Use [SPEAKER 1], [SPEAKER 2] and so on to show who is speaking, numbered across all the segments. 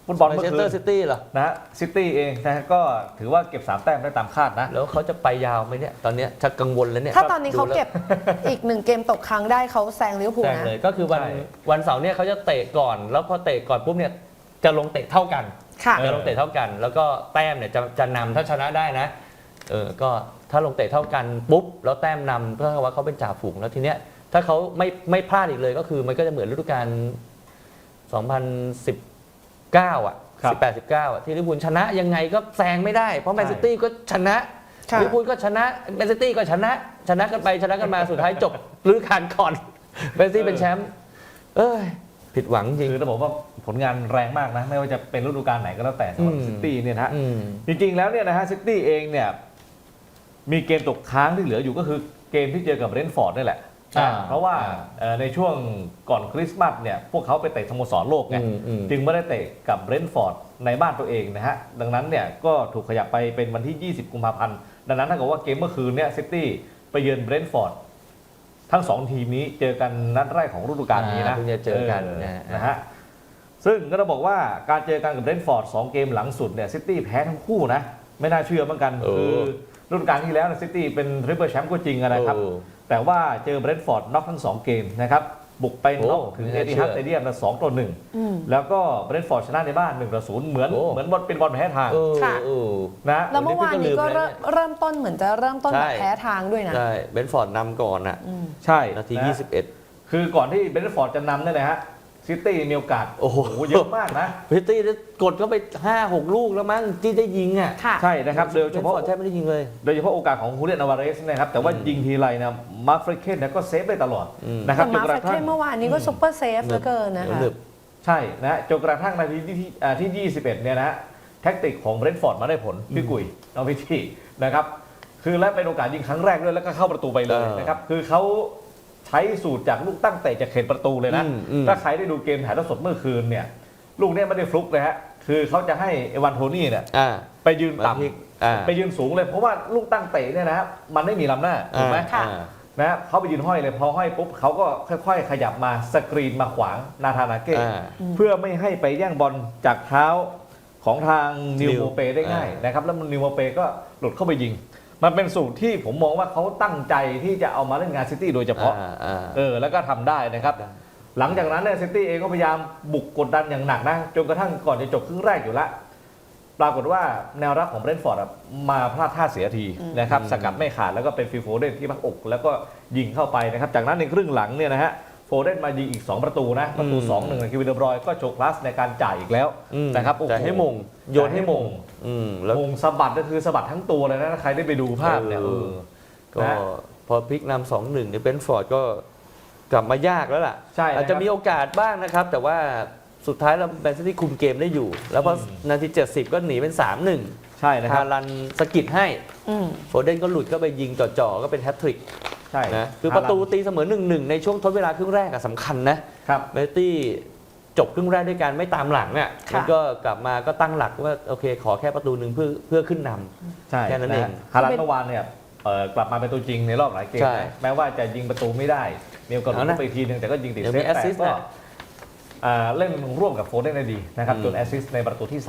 [SPEAKER 1] ฟุตบอล
[SPEAKER 2] แมน
[SPEAKER 1] เมื่อ
[SPEAKER 2] เชส
[SPEAKER 1] คื
[SPEAKER 2] เตอน ร์ซิตี้เหรอ
[SPEAKER 1] นะซิตี้เองนะฮะก็ถือว่าเก็บ3 แต้มได้ตามคาดนะ
[SPEAKER 2] แล้วเขาจะไปยาวไหมเนี่ยตอนเนี้ยชักกังวลแล้วเนี่ย
[SPEAKER 3] ถ้าตอนนี้เขาเก็บอีก1 เกมตกค้างได้เขาแซงลิเวอร์พูล
[SPEAKER 2] แซง
[SPEAKER 3] นะ
[SPEAKER 2] เลยก็คือวัน
[SPEAKER 1] ใช่
[SPEAKER 2] วันเสาร์เนี่ยเขาจะเตะก่อน แล้วพอเตะก่อนปุ๊บเนี่ยจะลงเตะเท่ากัน
[SPEAKER 3] ค่ะ
[SPEAKER 2] จะลงเตะเท่ากัน แล้วก็แต้มเนี่ยจะนำถ้าชนะได้นะก็ถ้าลงเตะเท่ากันปุ๊บแล้วแต้มนำเพื่อว่าเขาเป็นจ่าฝูงแล้วทีเนี้ยถ้าเขาไม่พลาดอีกเลยก็คือมันก็จะเหมือนฤดูกาล2019 อ่ะ
[SPEAKER 1] ครับ
[SPEAKER 2] 18-19 อ่ะที่ลิเวอร์พูลชนะยังไงก็แซงไม่ได้เพราะแมนซิตี้ก็ชนะ
[SPEAKER 3] ค่ะ
[SPEAKER 2] ลิเวอร์พูลก็ชนะแมนซิตี้ก็ชนะกันไปชนะกันมาสุดท้ายจบฤดูกาลก่อนแมนซิตี้เป็นแชมป์เอ้ยผิดหวังจริง
[SPEAKER 1] คือต้องบอกว่าผลงานแรงมากนะไม่ว่าจะเป็นฤดูกาลไหนก็แล้วแต่สำหรับ
[SPEAKER 2] อืม
[SPEAKER 1] ซิตี้เนี่ยนะฮะ
[SPEAKER 2] อืม
[SPEAKER 1] จริงๆแล้วเนี่ยนะฮะซิตี้เองเนี่ยมีเกมตกค้างที่เหลืออยู่ก็คือเกมที่เจอกับเบรนท์ฟอร์ดนี่แหละ เพราะว่าในช่วงก่อนคริสต์มาสเนี่ยพวกเขาไปเตะสโมสรโลกไง จึงไม่ได้เตะกับเบรนท์ฟอร์ดในบ้านตัวเองนะฮะดังนั้นเนี่ยก็ถูกขยับไปเป็นวันที่ 20 กุมภาพันธ์ดังนั้นถ้าเกิดว่าเกมเมื่อคืนเนี่ยซิตี้ไปเยือนเบรนท์ฟอร์ดทั้ง2 ทีมนี้เจอกันนัดแรกของฤดูกาลนี้นะ
[SPEAKER 2] เพิ่งจะเจอกัน
[SPEAKER 1] นะฮะซึ่งก็ต้องบอกว่าการเจอกันกับเบรนท์ฟอร์ด2 เกมหลังสุดเนี่ยซิตี้แพ้ทั้งคู่นะไม่น่าเชื่อเหมือนกันคือฤดูกาลที่แล้วซิตี้เป็นทริปเปิลแชมป์ก็จริงนะครับแต่ว่าเจอเบรนท์ฟอร์ดน็อกทั้ง2 เกมนะครับบุกไปน็อกถึงเอติฮัดสเตเดียม2-1แล้วก็เบรนท์ฟอร์ดชนะในบ้าน1-0เหมือนบอลเป็นบอลแพ้ทางนะ
[SPEAKER 3] แล้วเมื่อวานนี้ก็เริ่มต้นเหมือนจะเริ่มต้นแบบแพ้ทางด้วยนะ
[SPEAKER 2] ใช่เบนฟอร์ดนำก่อนอ่ะ
[SPEAKER 1] ใช่
[SPEAKER 2] นาที
[SPEAKER 1] นะ
[SPEAKER 2] 21
[SPEAKER 1] คือก่อนที่เบรนท์ฟอร์ดจะนำเนี่ยนะฮะซิตี้มีโอกาส
[SPEAKER 2] โอ้โห
[SPEAKER 1] เยอะมากนะ
[SPEAKER 2] พิตตี้กดเข้าไป 5-6 ลูกแล้วมั้งที่ได้ยิงอ่ะ
[SPEAKER 3] ค่ะ
[SPEAKER 1] ใช่นะครับโดยเฉพาะ
[SPEAKER 2] บนฟอร์ดแทบไม่ได้ยิงเลย
[SPEAKER 1] โดยเฉพาะโอกาสของฮูเลียนอาวาเรสนะครับแต่ว่ายิงทีไรนะมาร์คเฟรเคนก็เซฟได้ตลอดนะครับ
[SPEAKER 3] แต่มาร์คเฟรเคนเมื่อวานนี้ก็ซุปเปอร์เซฟเหลือเกินนะคะ
[SPEAKER 1] ใช่นะจนกระทั่งนาทีที่ 21เนี่ยนะฮะแท็กติกของเบรนท์ฟอร์ดมาได้ผลพี่กุยน้องพิชี่นะครับคือและเป็นโอกาสยิงครั้งแรกด้วยแล้วก็เข้าประตูไปเลยนะครับคือเขาใช้สูตรจากลูกตั้งเตะจากเขตประตูเลยนะถ้าใครได้ดูเกมถ่ายทอดสดเมื่อคืนเนี่ยลูกนี้ไม่ได้ฟลุกเลยฮะคือเขาจะให้เอวานโทนี่เนี่ยไปยืนต่ำไปยืนสูงเลยเพราะว่าลูกตั้งเตะเนี่ยนะมันไม่มีลำหน้าถูกไหมนะเขาไปยืนห้อยเลยพอห้อยปุ๊บเขาก็ค่อยๆขยับมาสกรีนมาขวางนาธานาเก้เพื่อไม่ให้ไปแย่งบอลจากเท้าของทางนิวโมเปได้ง่ายนะครับแล้วนิวโมเปก็หลุดเข้าไปยิงมันเป็นสูตรที่ผมมองว่าเขาตั้งใจที่จะเอามาเล่นงานซิตี้โดยเฉพาะแล้วก็ทำได้นะครับหลังจากนั้นเนี่ยซิตี้เองก็พยายามบุกกดดันอย่างหนักนะจนกระทั่งก่อนจะจบครึ่งแรกอยู่แล้วปรากฏว่าแนวรับของเบรนท์ฟอร์ดมาพลาดท่าเสียทีนะครับสกัดไม่ขาดแล้วก็เป็นฟิลโฟเดนที่พักอกแล้วก็ยิงเข้าไปนะครับจากนั้นในครึ่งหลังเนี่ยนะฮะโฟเดนมายิงอีก2 ประตูนะประตู 2-1ในคิวินเดอร์บรอยก็โชว์คลาสในการจ่ายอีกแล้วนะครับ
[SPEAKER 2] จ่ายให้มงโยนให้มง
[SPEAKER 1] มงสะบัดก็คือสะบัดทั้งตัวเลยนะถ้าใครได้ไปดูภาพเนี่ย
[SPEAKER 2] ก็พอพลิกนำ 2-1เนี่ยเบนฟอร์ดก็กลับมายากแล้วล่ะอาจจะมีโอกาสบ้างนะครับแต่ว่าสุดท้ายเราแมนซิตี้คุมเกมได้อยู่แล้วพอนาที70ก็หนีเป็น 3-1
[SPEAKER 1] ใช่นะครับ
[SPEAKER 2] ฮาลันสกิดให้โฟเดนก็หลุดก็ไปยิงจ่อๆก็เป็นแฮตทริก
[SPEAKER 1] ใช่
[SPEAKER 2] นะคือประตูตีเสมอ 1-1 ในช่วงทดเวลาครึ่งแรกสำคัญนะครับแมนซิตี้จบครึ่งแรกด้วยการไม่ตามหลังเนี่ยมันก็กลับมาก็ตั้งหลักว่าโอเคขอแค่ประตูหนึ่งเพื่อขึ้นนำแค่นั้นเอง
[SPEAKER 1] ฮาลันเมื่อวานเนี่ยกลับมาเป็นตัวจริงในรอบหลายเกมแม้ว่าจะยิงประตูไม่ได้มีโอกาสหลุดไปทีนึงแต่ก็ยิงติดเซฟแต่ก็เล่นร่วมกับโฟเดนได้ดีนะครับจนแอสซิสต์ในประตูที่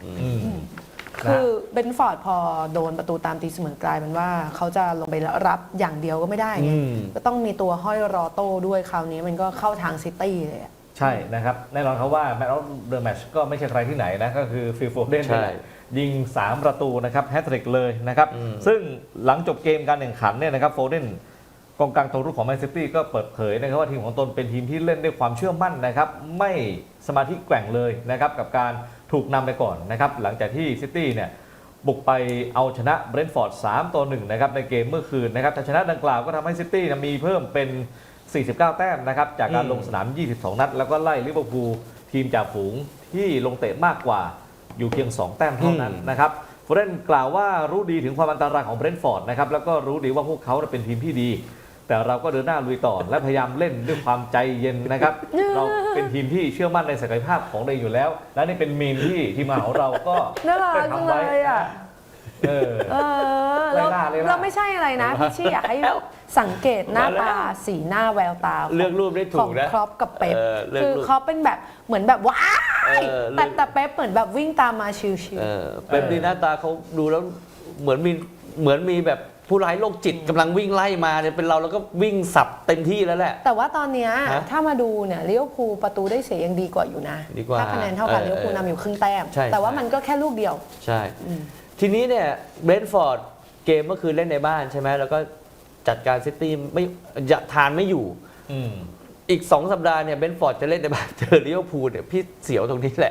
[SPEAKER 1] 3
[SPEAKER 3] คือเบนฟอร์ดพอโดนประตูตามตีเสมอกลายเป็นว่าเขาจะลงไปรับอย่างเดียวก็ไม่ได้ไงก็ต้องมีตัวห้อยรอโต้ด้วยคราวนี้มันก็เข้าทางซิตี้เลย
[SPEAKER 1] ใช่นะครับแน่นอนครับว่าแมตช์ออฟเดอะแมตช์ก็ไม่ใช่ใครที่ไหนนะก็คือฟิลโฟเดนยิง3 ประตูนะครับแฮตทริกเลยนะครับซึ่งหลังจบเกมการแข่งขันเนี่ยนะครับโฟเดนกองกลางตัวรุกของแมนซิตี้ก็เปิดเผยนะครับว่าทีมของตนเป็นทีมที่เล่นด้วยความเชื่อมั่นนะครับไม่สมาธิแกว่งเลยนะครับกับการถูกนำไปก่อนนะครับหลังจากที่ซิตี้เนี่ยบุกไปเอาชนะเบรนท์ฟอร์ด3-1นะครับในเกมเมื่อคืนนะครับชนะดังกล่าวก็ทำให้ซิตี้มีเพิ่มเป็น49 แต้มนะครับจากการลงสนาม22 นัดแล้วก็ไล่ลิเวอร์พูลทีมจ่าฝูงที่ลงเตะมากกว่าอยู่เพียง2 แต้มเท่านั้นนะครับโฟเดนกล่าวว่ารู้ดีถึงความอันตรายของเบรนท์ฟอร์ดนะครับแล้วก็รู้ดีว่าพวกเขาเป็นทีมที่ดีแต่เราก็เดินหน้าลุยต่อและพยายามเล่นด้วยความใจเย็นนะครับเราเป็นทีมที่เชื่อมั่นในศักยภาพของเราอยู่แล้วและนี่เป็นมีมที่ทีมงานของเราก็
[SPEAKER 3] น่ารักจังเลยอ่ะ
[SPEAKER 1] เออ
[SPEAKER 3] แล้ว
[SPEAKER 1] ไล่ล่า
[SPEAKER 3] เราไม่ใช่อะไรนะพี่ชี่อยากให้สังเกตหน้าตาสีหน้าแววตา
[SPEAKER 2] เลือกรูปได้ถู
[SPEAKER 3] ขอก ง
[SPEAKER 2] นะ
[SPEAKER 3] ครอปกับเป๊ป
[SPEAKER 2] เลือก
[SPEAKER 3] คือ
[SPEAKER 2] รูป
[SPEAKER 3] ครอปเป็นแบบเหมือนแบบว้าย
[SPEAKER 2] เลือก
[SPEAKER 3] แต่เป๊ปเหมือนแบบวิ่งตามมาชิว
[SPEAKER 2] เป็นดีหน้าตาเขาดูแล้วเหมือนมีแบบผู้ร้ายโรคจิตกำลังวิ่งไล่มาเนี่ยเป็นเราแล้วก็วิ่งสับเต็มที่แล้วแหละ
[SPEAKER 3] แต่ว่าตอนเนี้ย
[SPEAKER 2] ฮะ
[SPEAKER 3] ถ้ามาดูเนี่ยลิเวอร์พูลประตูได้เสียยังดีกว่าอยู่นะ
[SPEAKER 2] ดีกว่า
[SPEAKER 3] ถ้าคะแนนเท่ากันลิเวอร์พูลนำอยู่ครึ่งแต้ม
[SPEAKER 2] ใช่
[SPEAKER 3] แต่ว่ามันก็แค่ลูกเดียว
[SPEAKER 2] ใช่ ทีนี้เนี่ยเบรนท์ฟอร์ดเกมเมื่อคืนเล่นในบ้านใช่ไหมแล้วก็จัดการซิตี้ไม่ทานไม่อยู่
[SPEAKER 1] อืม
[SPEAKER 2] อีก 2 สัปดาห์เนี่ยเบรนท์ฟอร์ดจะเล่นในบ้านเจอลิเวอร์พูลเนี่ยพี่เสียวตรงนี้แหละ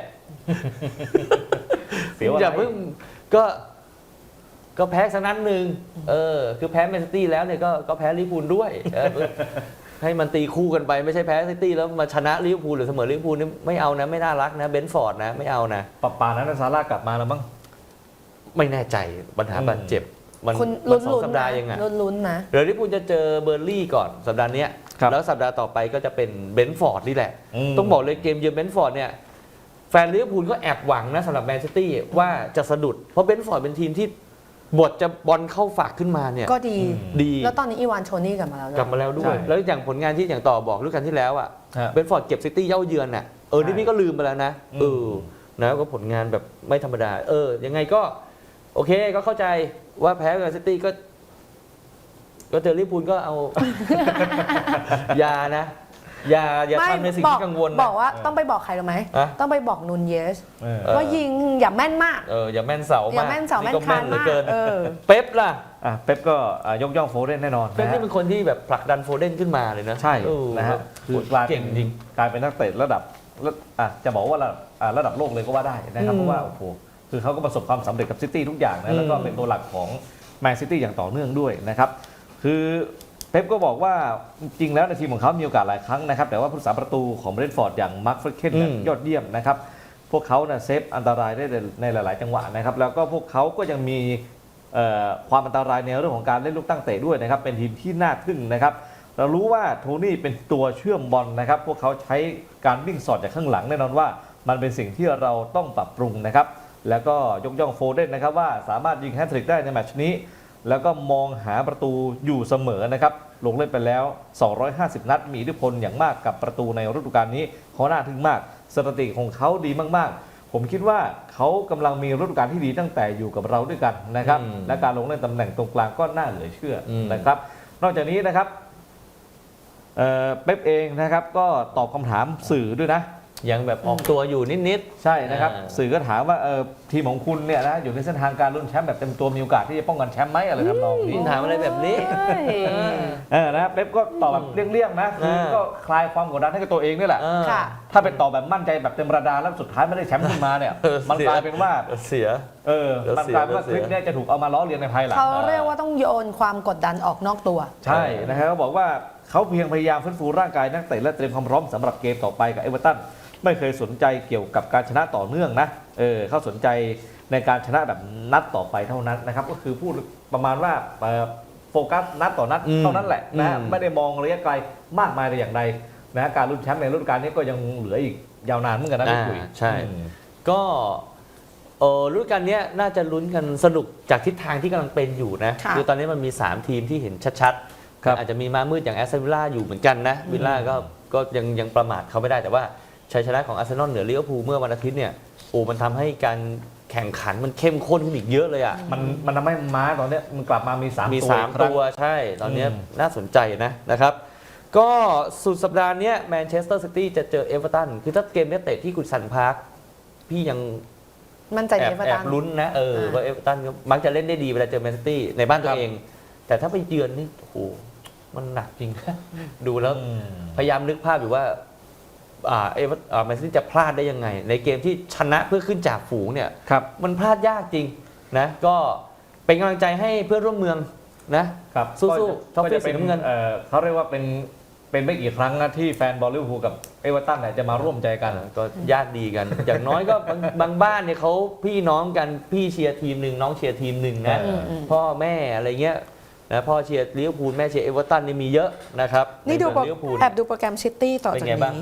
[SPEAKER 1] เสียวอะไร
[SPEAKER 2] อย่าเพิ่งก็แพ้สักนัดหนึ่งคือแพ้แมนซิตี้แล้วเนี่ยก็แพ้ลิเวอร์พูลด้วยให้มันตีคู่กันไปไม่ใช่แพ้ซิตี้แล้วมาชนะลิเวอร์พูลหรือเสมอลิเวอร์พูลนี่ไม่เอานะไม่น่ารักนะเบรนท์ฟอร์ดนะไม่เอานะ
[SPEAKER 1] ป่านั้นซาร่ากลับมาแล้วมั้ง
[SPEAKER 2] ไม่แน่ใจปัญหาบาดเจ็บมัน
[SPEAKER 3] คุณ
[SPEAKER 2] มันสอง
[SPEAKER 3] ลุ้น
[SPEAKER 2] สัป
[SPEAKER 3] ๆ
[SPEAKER 2] ดา
[SPEAKER 3] นะ
[SPEAKER 2] ห์ยังไง
[SPEAKER 3] ลุ้นๆนะ
[SPEAKER 2] เดี๋ยวลิเวอร์พูลจะเจอเบอร์ลี่ก่อนสัปดาห์เนี้ย
[SPEAKER 1] ครับ
[SPEAKER 2] แล้วสัปดาห์ต่อไปก็จะเป็นเบรนท์ฟอร์ดนี่แหละ
[SPEAKER 1] ม
[SPEAKER 2] ต้องบอกเลยเกมเยือนเบรนท์ฟอร์ดเนี่ยแฟนลิเวอร์พูลก็แอบหวังนะสำหรับแมนซิตี้ว่าจะสะดุดเพราะเบรนท์ฟอร์ดเป็นทีมที่บทจะบอลเข้าฝากขึ้นมาเนี่ย
[SPEAKER 3] ก็ดี
[SPEAKER 2] ดี
[SPEAKER 3] แล้วตอนนี้อีวานโชนี่กลับมาแล้วด้วย
[SPEAKER 2] กลับมาแล้วด้ว
[SPEAKER 1] ใช่
[SPEAKER 2] ย แล้วอย่างผลงานที่อย่างต่อบอกฤดูกาลที่แล้วอ่ะ
[SPEAKER 1] ฮะ
[SPEAKER 2] เบรนท์ฟอร์ดเก็บซิตี้เย่าเยือนน่ะนี่พี่ก็ลืมไปแล้วนะ
[SPEAKER 1] อืม
[SPEAKER 2] นะก็ผลงานแบบไม่ธรรมดายังไงก็โอเคก็เข้าใจว่าแพ้กับซิตี้ก็เจอลิเวอร์พูลก็เอา อย่านะอย่าทำในสิ่งที่กังวลนะ
[SPEAKER 3] บอกว่าต้องไปบอกใครรู้ไหม
[SPEAKER 2] อะ
[SPEAKER 3] ต้องไปบอกนูนเยส
[SPEAKER 1] เออ
[SPEAKER 3] ว่ายิงอย่าแม่นมาก
[SPEAKER 2] อย่าแม่นเสา
[SPEAKER 3] อย่าม
[SPEAKER 2] าก
[SPEAKER 3] แม่นเสาแม่น
[SPEAKER 2] ก็
[SPEAKER 3] คาน
[SPEAKER 2] เหลือ
[SPEAKER 3] มาก
[SPEAKER 2] เกิน
[SPEAKER 3] เ
[SPEAKER 2] เป๊ปล่ะ
[SPEAKER 1] เป๊ปก็ยกย่องโฟเดนแน่นอน
[SPEAKER 2] เป๊ป
[SPEAKER 1] นะ
[SPEAKER 2] นี่
[SPEAKER 1] ฮะ
[SPEAKER 2] เป็นคนที่แบบผลักดันโฟเดนขึ้นมาเลยนะ
[SPEAKER 1] ใช่
[SPEAKER 2] เออ
[SPEAKER 1] นะฮะคือกลาย
[SPEAKER 2] เก่งจริง
[SPEAKER 1] กลายเป็นนักเตะระดับจะบอกว่าระดับโลกเลยก็ว่าได้นะครับ
[SPEAKER 2] อืม
[SPEAKER 1] เพราะว่าโอ้โหคือเขาก็ประสบความสำเร็จกับซิตี้ทุกอย่างนะแล้วก็
[SPEAKER 2] อืม
[SPEAKER 1] เป็นตัวหลักของแมนซิตี้อย่างต่อเนื่องด้วยนะครับคือเป๊ปก็บอกว่าจริงๆแล้วในทีมของเขามีโอกาสหลายครั้งนะครับแต่ว่าผู้รักษาประตูของเบรนท์ฟอร์ดอย่างมาร์คเฟรเคนเนี่ยยอดเยี่ยมนะครับพวกเขาเซฟอันตรายได้ในหลาย ๆ จังหวะนะครับแล้วก็พวกเขาก็ยังมีความอันตรายในเรื่องของการเล่นลูกตั้งเตะด้วยนะครับเป็นทีมที่น่าทึ่งนะครับเรารู้ว่าโทนี่เป็นตัวเชื่อมบอลนะครับพวกเขาใช้การวิ่งสอดจากข้างหลังแน่นอนว่ามันเป็นสิ่งที่เราต้องปรับปรุงนะครับแล้วก็ยกย่องโฟเดนนะครับว่าสามารถยิงแฮตทริกได้ในแมตช์นี้แล้วก็มองหาประตูอยู่เสมอนะครับลงเล่นไปแล้ว250นัดมีอิทธิพลอย่างมากกับประตูในฤดูกาลนี้เขาน่าทึ่งมากสถิติของเขาดีมากๆผมคิดว่าเขากำลังมีฤดูกาลที่ดีตั้งแต่อยู่กับเราด้วยกันนะครับและการลงเล่นตำแหน่งตรงกลางก็น่าเหลือเชื่อนะครับนอกจากนี้นะครับเป๊ปเองนะครับก็ตอบคำถามสื่อด้วยนะ
[SPEAKER 2] ยังแบบออกตัวอยู่นิด
[SPEAKER 1] ใช่นะครับ
[SPEAKER 2] อ่า
[SPEAKER 1] สื่อก็ถามว่าทีมของคุณเนี่ยนะอยู่ในเส้นทางการลุ้นแชมป์แบบเต็มตัวมีโอกาสที่จะป้องกันแชมป์ไหมอะไรทำนอง
[SPEAKER 2] ๆ
[SPEAKER 1] นี้
[SPEAKER 2] ถามอะไรแบบนี้
[SPEAKER 1] นะเป๊ปก็ตอบแบบเลี่ยงๆนะคือก็คลายความกดดันให้กับตัวเองนี่แหละ
[SPEAKER 3] ค่ะ
[SPEAKER 1] ถ้าเป็นตอบแบบมั่นใจแบบเต็มระดาแล้วสุดท้ายไม่ได้แชมป์ขึ้นมาเนี่ย มันกลายเป็นว่า
[SPEAKER 2] เสีย
[SPEAKER 1] มันกลายเป็นว่าคลิปเนี้จะถูกเอามาล้อเลียนในภายหลัง
[SPEAKER 3] เขาเรียกว่าต้องโยนความกดดันออกนอกตัว
[SPEAKER 1] ใช่นะครับเขาบอกว่าเขาเพียงพยายามฟื้นฟูร่างกายนักเตะและเตรียมความพร้อมสำหรับเกมต่อไปกับเอเวอร์ตันไม่เคยสนใจเกี่ยวกับการชนะต่อเนื่องนะเขาสนใจในการชนะแบบนัดต่อไปเท่านั้นนะครับก็คือพูดประมาณว่าโฟกัสนัดต่อนัดเท่านั้นแหละนะไม่ได้มองระยะไกลมากมายแต่อย่างใดนะการลุ้นแชมป์ในฤดูกาลนี้ก็ยังเหลืออีกยาวนานเหมือนกันนะพี่คุย
[SPEAKER 2] ใช่ ก็ฤดูกาลนี้น่าจะลุ้นกันสนุกจากทิศทางที่กำลังเป็นอยู่นะ
[SPEAKER 3] ค่ะ
[SPEAKER 2] คือตอนนี้มันมี 3 ทีมที่เห็นชัด
[SPEAKER 1] ครับ
[SPEAKER 2] อาจจะมีม้ามืดอย่างแอสตันวิลล่าอยู่เหมือนกันนะวิลล่าก็ยังประมาทเขาไม่ได้แต่ว่าชัยชนะของอาร์เซนอลเหนือลิเวอร์พูลเมื่อวันอาทิตย์เนี่ยมันทำให้การแข่งขันมันเข้มข้นขึ้นอีกเยอะเลยอ่ะ
[SPEAKER 1] มันทำให้ม้าตอนเนี้ยมันกลับมามี3
[SPEAKER 2] มี
[SPEAKER 1] ตัว
[SPEAKER 2] 3 ตัวใช่ตอนนี้น่าสนใจนะครับ ก็สุดสัปดาห์นี้แมนเชสเตอร์ซิตี้จะเจอเอเวอร์ตันคือถ้าเกมนี้เตะที่กุดสันพาร์คพี่ยัง
[SPEAKER 3] มั่นใจ
[SPEAKER 2] แอ
[SPEAKER 3] ใน
[SPEAKER 2] บ
[SPEAKER 3] เอเวอร์
[SPEAKER 2] แอ
[SPEAKER 3] ตั
[SPEAKER 2] บ
[SPEAKER 3] น
[SPEAKER 2] ลุ้นนะว่าเอเวอร์ตันก็มักจะเล่นได้ดีเวลาเจอแมนซิตี้ในบ้านตัวเอง แต่ถ้าไปเยือนนี่โอ้โหมันหนักจริงนะดูแล้วพยายามนึกภาพอยู่ว่าแมนซิตี้จะพลาดได้ยังไง ในเกมที่ชนะเพื่อขึ้นจากฝูงเนี่ย
[SPEAKER 1] ครับ
[SPEAKER 2] มันพลาดยากจริงนะก็เป็นกำลังใจให้เพื่อนร่วมเมืองนะครับ สู้ๆท็อปปี้สีน้ำเงิน
[SPEAKER 1] เขาเรียกว่าเป็นไม่กี่ครั้งนะที่แฟนบอลลิเวอร์พูลกับเอเวอร์ตันเนี่ยจะมาร่วมใจกัน
[SPEAKER 2] ก็ญาติดีกัน อย่างน้อยก็บางบ้านเนี่ยเขาพี่น้องกันพี่เชียร์ทีมหนึ่งน้องเชียร์ทีมหนึ่งนะ พ่อแม่อะไรเงี้ยนะพ่อเชียร์ลิเวอร์พูลแม่เชียร์เอเวอร์ตันนี่มีเยอะนะครับ
[SPEAKER 3] นี่ดู
[SPEAKER 2] ใเมืองลิเวอร์พูล
[SPEAKER 3] แอบดูโปรแกรมซิตี้ต่อ
[SPEAKER 2] เป็น
[SPEAKER 3] จาก
[SPEAKER 2] ไงบ้าง
[SPEAKER 3] นี้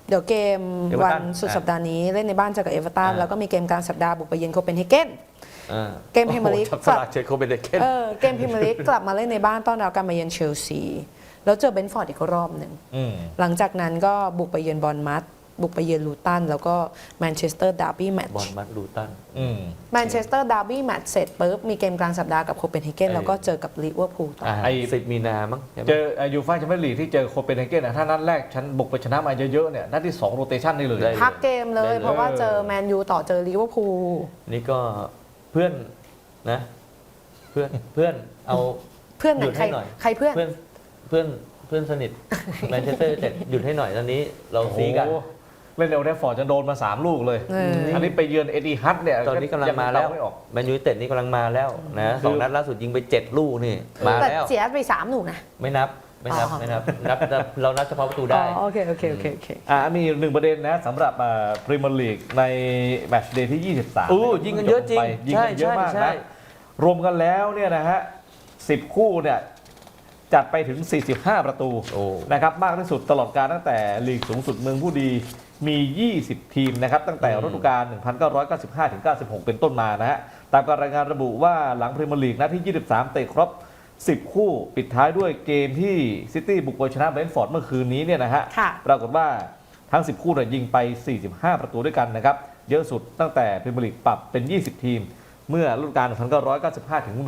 [SPEAKER 3] เดี๋ยวเกม
[SPEAKER 2] เอเวอร์
[SPEAKER 3] วั
[SPEAKER 2] ตั
[SPEAKER 3] น
[SPEAKER 2] น
[SPEAKER 3] สุดสัปดาห์นี้เล่นในบ้านเจอกับเอเวอร์ตัน
[SPEAKER 2] อ่า
[SPEAKER 3] แล้วก็มีเกมกลางสัปดาห์บุกไปเยือนโคเปนเฮเกน เกมพรีเมียร์ลีก
[SPEAKER 2] จับสลากเชโคเปนเฮเกน
[SPEAKER 3] เกมพรีเมียร์ลีกกลับมาเล่นในบ้านต้อนรับการมาเยือนเชลซีแล้วเจอเบนฟอร์ดอีกรอบหนึ่ง หลังจากนั้นก็บุกไปเยือนบอร์นมัธบุกไปเยือนลูตันแล้วก็แมนเชสเตอร์ดาร์บี้แมตช์
[SPEAKER 2] บอลมัดลูตัน
[SPEAKER 3] แมนเชสเตอร์ดาร์บี้แมตช์เสร็จปุ๊บมีเกมกลางสัปดาห์กับโคเปนเฮเกน
[SPEAKER 2] ไอ้
[SPEAKER 3] แล้วก็เจอกับลิเวอร์พูลต่อ
[SPEAKER 1] ไอ้
[SPEAKER 2] 10 มีนามั้งใช่ไหม
[SPEAKER 1] เจอยูฟ่าแชมเปี้ยนลีกที่เจอโคเปนเฮเกนถ้านัดแรกฉันบุกไปชนะมาเยอะๆเนี่ยนัดที่2โรเตชันได้เลย
[SPEAKER 2] ได้
[SPEAKER 3] พักเกมเลย
[SPEAKER 2] ได้เลย
[SPEAKER 3] เพราะว่าเจอแมนยูต่อเจอลิเวอร์พูล
[SPEAKER 2] นี่ก็เพื่อนนะเพื่อนเอา
[SPEAKER 3] เพื่อนไหน
[SPEAKER 2] หยุด
[SPEAKER 3] ใคร
[SPEAKER 2] ให้หน่อย
[SPEAKER 3] ใครเพื่อน
[SPEAKER 2] เพื่อนสนิทแมนเชสเตอร์ยูไนเต็ดหยุดให้หน่อยตอนนี้เรา
[SPEAKER 1] โอ้โห
[SPEAKER 2] ซีกัน
[SPEAKER 1] เล่นเอลเดฟฟอร์ดจะโดนมา3 ลูกเลย
[SPEAKER 3] เอออั
[SPEAKER 1] อันนี้ไปเยือนเอติฮัดเนี่ย
[SPEAKER 2] ตอนนี้กำลังมาแล้ว
[SPEAKER 1] ยัไม่ออก
[SPEAKER 2] แมนยูไนเต็ดนี่กำลังมาแล้วนะ
[SPEAKER 1] คือ
[SPEAKER 2] 2 นัดล่าสุดยิงไป 7 ลูกนี่มา
[SPEAKER 3] แต่
[SPEAKER 2] แล้ว
[SPEAKER 3] เสียไป3หนูนะ
[SPEAKER 2] ไม่นับ
[SPEAKER 3] อ๋อ
[SPEAKER 2] เรานับเฉพาะประตูได้
[SPEAKER 3] โอเคโอเค
[SPEAKER 1] มีหนึ่งประเด็นนะสำหรับพรีเมียร์ลีกในแมตช์เดย์ที่ 23
[SPEAKER 2] อู้ยิงกันเยอะจริง
[SPEAKER 1] ยิงกันเยอะมาก
[SPEAKER 2] ใช่
[SPEAKER 1] นะรวมกันแล้วเนี่ยนะฮะ10 คู่เนี่ยจัดไปถึง 45 ประตู
[SPEAKER 2] โอ้
[SPEAKER 1] นะครับมากที่สุดตลอดการตั้งแต่ลีกสูงสุดเมืองผู้ดีมี 20 ทีมนะครับตั้งแต่ฤดูกาล 1995 ถึง 96 เป็นต้นมานะฮะตามการรายงานระบุว่าหลังพรีเมียร์ลีกนัดที่ 23 เตะครบ 10 คู่ปิดท้ายด้วยเกมที่ซิตี้บุกไปชนะเบรนท์ฟอร์ดเมื่อคืนนี้เนี่ยนะฮะ
[SPEAKER 3] ค่ะ
[SPEAKER 1] ปรากฏว่าทั้ง 10 คู่เนี่ยยิงไป 45 ประตูด้วยกันนะครับเยอะสุดตั้งแต่พรีเมียร์ลีกปรับเป็น 20 ทีม เมื่อฤดูกาล 1995 ถึง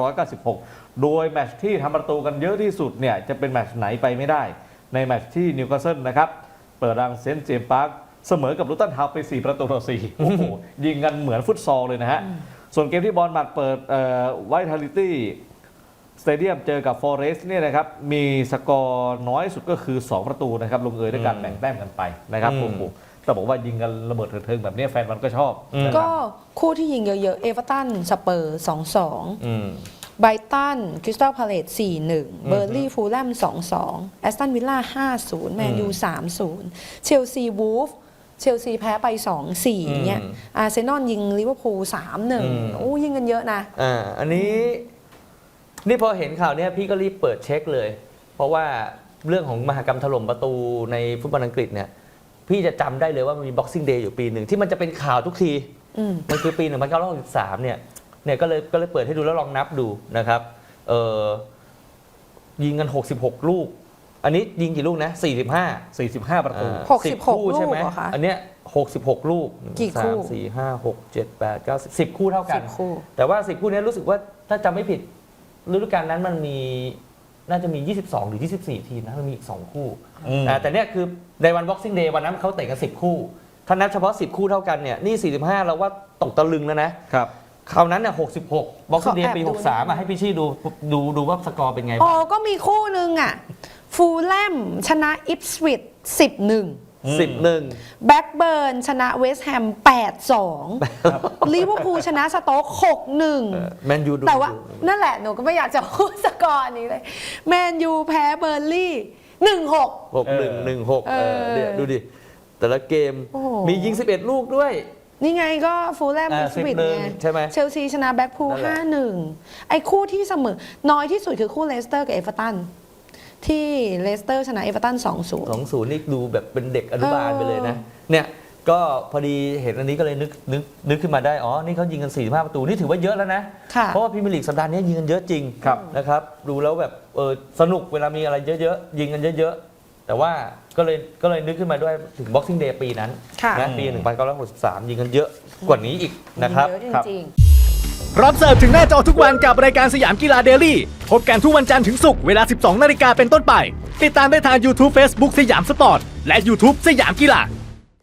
[SPEAKER 1] 1996 โดยแมตช์ที่ทำประตูกันเยอะที่สุดเนี่ยจะเป็นแมตช์ไหนไปไม่ได้ ในแมตช์ที่นิวคาสเซิลนะครับเปิดรังเซนต์เจมส์พาร์คเสมอกับลูตันทาวน์ไป 4 ประตูต่อ 4 โอ้โหยิงกันเหมือนฟุตซอลเลยนะฮะ ส่วนเกมที่บอลมัดเปิดไวท์ทาลิตี้สเตเดียมเจอกับฟอเรสต์เนี่ยนะครับมีสกอร์น้อยสุดก็คือ 2 ประตูนะครับลงเอยด้วยการแบ่งแต้มกันไปนะครับโอ้โหแต่บอกว่ายิงกันระเบิดเถิงๆแบบนี้แฟนมันก็ชอบนะครับ
[SPEAKER 3] ก็คู่ที่ยิงเยอะๆเอเวอร์ตันสเปอร์ 2-2
[SPEAKER 2] อืม
[SPEAKER 3] ไบรตันคริสตัลพาเลต 4-1 เบอร์ลี่ฟูลแลม 2-2 แอสตันวิลล่า 5-0 แมนยู 3-0 เชลซีวูฟเชลซีแพ้ไป 2-4เนี่ยอาร์เซนอลยิงลิเวอร์พูล 3-1 โอ้ยิงกันเยอะนะ
[SPEAKER 2] อันนี้นี่พอเห็นข่าวเนี้ยพี่ก็รีบเปิดเช็คเลย เพราะว่าเรื่องของมหกรรมถล่มประตูในฟุตบอลอังกฤษเนี่ยพี่จะจำได้เลยว่ามันมี Boxing Day อยู่ปีหนึ่งที่มันจะเป็นข่าวทุกที มันคือปี 1963 เนี่ยก็เลยเปิดให้ดูแล้วลองนับดูนะครับยิงกัน 66 ลูก อันนี้ยิงกี่ลูกนะ 45
[SPEAKER 1] ประตู
[SPEAKER 3] 66
[SPEAKER 2] คู่ใช่ไหม
[SPEAKER 3] ลูกเหรอคะ
[SPEAKER 2] อันเนี้ย66 ลูก
[SPEAKER 3] กี่คู่
[SPEAKER 2] 3 4 5 6 7 8 9 10 คู่เท่ากัน
[SPEAKER 3] 10 คู่
[SPEAKER 2] แต่ว่า 10 คู่นี้รู้สึกว่าถ้าจำไม่ผิดฤดูกาลนั้นมันมีน่าจะมี 22 หรือ 24 ทีมนะมันมีอีก 2 คู่แต่เนี่ยคือในวัน Boxing Day วันนั้นเขาเตะกัน 10 คู่ ถ้านับเฉพาะ 10 คู่เท่ากันเนี่ยนี่ 45 เราว่าตกตะลึงแล้วนะครับ คราวนั้นน่ะ66 Boxing Day ปี 63ให้พี่ชี่ดูว่าสกอร์เป็นไง
[SPEAKER 3] อ๋
[SPEAKER 2] บ้า
[SPEAKER 3] อง ก็มีคู่หนึ่งอ่ะฟูลแลมชนะอิปสวิช 10-1
[SPEAKER 2] 11
[SPEAKER 3] แบ็กเบิร์นชนะเวสต์แฮม 8-2 ลิเวอร์พูลชนะสโต๊ก 6-1
[SPEAKER 2] แมนยูดู
[SPEAKER 3] แต่ว่านั่นแหละหนูก็ไม่อยากจะพูดสกอร์นี้เลย แมนยูแพ้เบอร์ลี่ 1-6
[SPEAKER 2] 6116เนี่ยดูดิ แต่ละเกม
[SPEAKER 3] โอ้โห
[SPEAKER 2] มียิง 11 ลูกด้วย
[SPEAKER 3] นี่ไงก็ฟูลแลมอิปสวิช
[SPEAKER 2] 11
[SPEAKER 3] ไง
[SPEAKER 2] ใช่ไหม
[SPEAKER 3] เชลซีชนะแบ็กพูล
[SPEAKER 2] นั่นแหละ
[SPEAKER 3] 5-1 ไอ้คู่ที่เสมอ น้อยที่สุดคือคู่เลสเตอร์กับเอเวอร์ตัน ที่เลสเตอร์ชนะเอเวอร์ตัน 2-0
[SPEAKER 2] 2-0 นี่ดูแบบเป็นเด็กอนุบาลไปเลยนะ เนี่ยก็พอดีเห็นอันนี้ก็เลยนึกขึ้นมาได้ อ๋อ นี่เขายิงกัน 45 ประตู นี่ถือว่าเยอะแล้วนะ
[SPEAKER 3] ค่ะ
[SPEAKER 2] เพราะว่าพรีเมียร์ลีกสัปดาห์นี้ยิงกันเยอะจริง
[SPEAKER 1] ครับ
[SPEAKER 2] นะครับ ดูแล้วแบบสนุกเวลามีอะไรเยอะๆ ยิงกันเยอะๆ แต่ว่าก็เลยนึกขึ้นมาด้วยถึง Boxing Day ปีนั้น
[SPEAKER 3] ค่ะ
[SPEAKER 2] นะปี 1963 ยิงกันเยอะกว่านี้อีกนะครับ
[SPEAKER 3] เยอะจริง
[SPEAKER 4] พร้อมเสิร์ฟถึงหน้าจอทุกวันกับรายการสยามกีฬาเดลี่พบกันทุกวันจันทร์ถึงศุกร์เวลา 12 นาฬิกาเป็นต้นไป ติดตามได้ทาง YouTube Facebook สยามสปอร์ต และ YouTube สยามกีฬา